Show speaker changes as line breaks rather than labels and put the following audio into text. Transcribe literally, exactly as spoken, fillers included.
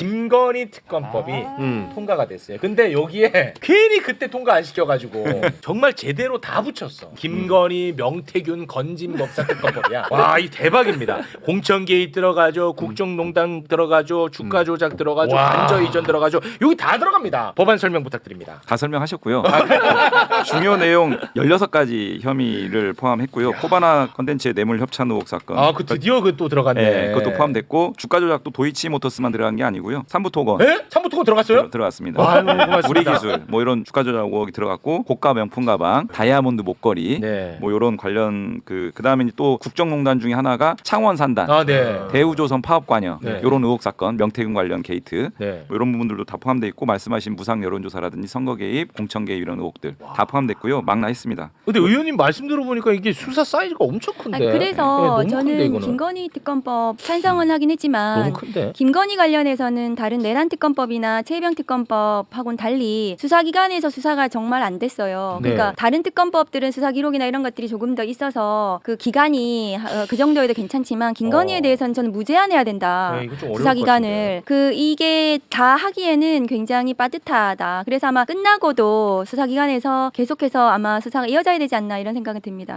김건희 특검법이
아.
음.
통과가 됐어요. 근데 여기에 괜히 그때 통과 안 시켜가지고 정말 제대로 다 붙였어. 김건희, 명태균, 건진 법사 특검법이야. 와, 이 대박입니다. 공천 개입 들어가죠, 국정농단 들어가죠, 주가 조작 들어가죠,
와.
관저 이전 들어가죠. 여기 다 들어갑니다. 법안 설명 부탁드립니다.
다 설명하셨고요. 중요 내용 열여섯 가지 혐의를 포함했고요. 코바나 컨텐츠의 뇌물 협찬 의혹 사건.
아, 그 드디어 그 또 들어갔네.
네, 그것도 포함됐고 주가 조작도 도이치모터스만 들어간 게 아니고요. 삼부토건
에? 삼부토건 들어갔어요?
들어, 들어갔습니다.
와, 너무 고맙습니다.
우리 기술 뭐 이런 주가 조작 의혹이 들어갔고 고가 명품 가방, 다이아몬드 목걸이
네.
뭐 이런 관련 그 그다음에 또 국정농단 중에 하나가 창원 산단,
아, 네.
대우조선 파업 관여
네.
이런 의혹 사건, 명태균 관련 게이트
네.
뭐 이런 부분들도 다 포함돼 있고 말씀하신 무상 여론조사라든지 선거 개입, 공천 개입 이런 의혹들 다 포함됐고요. 망라했습니다.
근데 의원님 말씀 들어보니까 이게 수사 사이즈가 엄청 큰데.
아니,
네,
그래서
너무 큰데,
저는
이거는.
김건희 특검법 찬성은 하긴 했지만
너무 큰데.
김건희 관련해서는 다른 내란 특검법이나 최혜병 특검법하고는 달리 수사기관에서 수사가 정말 안 됐어요.
네.
그러니까 다른 특검법들은 수사 기록이나 이런 것들이 조금 더 있어서 그 기간이 어, 그 정도에도 괜찮지만 김건희에
어.
대해서는 저는 무제한해야 된다.
네, 이거 좀 어려울 것
수사기관을 그 이게 다 하기에는 굉장히 빠듯하다. 그래서 아마 끝나고도 수사기관에서 계속해서 아마 수사가 이어져야 되지 않나 이런 생각이 듭니다.